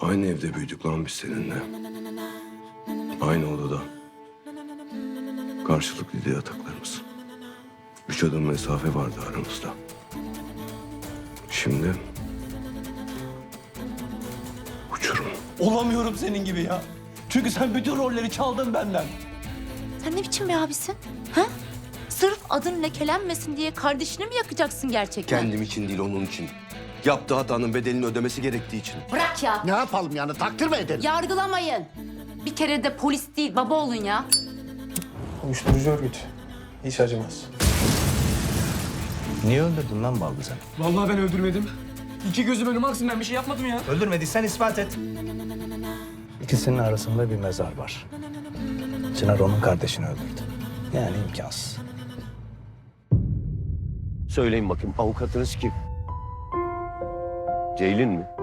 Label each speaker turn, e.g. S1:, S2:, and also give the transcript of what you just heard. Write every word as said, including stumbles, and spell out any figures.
S1: Aynı evde büyüdük lan biz seninle. Aynı odada. Karşılıklıydı yataklarımız. Üç adım mesafe vardı aramızda. Şimdi... uçurum.
S2: Olamıyorum senin gibi ya. Çünkü sen bütün rolleri çaldın benden.
S3: Sen ne biçim bir abisin? Ha? Sırf adın lekelenmesin diye kardeşini mi yakacaksın gerçekten?
S1: Kendim için değil, onun için. Yaptığı hatanın bedelini ödemesi gerektiği için.
S3: Bırak ya.
S4: Ne yapalım yani, takdir mi edelim?
S3: Yargılamayın. Bir kere de polis değil baba olun ya.
S5: Uyuşturucu örgüt. Hiç acımaz.
S6: Niye öldürdün lan Baldız'ı?
S5: Vallahi ben öldürmedim. İki gözüm önüme aksın, ben bir şey yapmadım ya.
S6: Öldürmediysen ispat et. İkisinin arasında bir mezar var. Çınar onun kardeşini öldürdü. Yani imkansız.
S7: Söyleyin bakayım, avukatınız kim? Ceylin mi?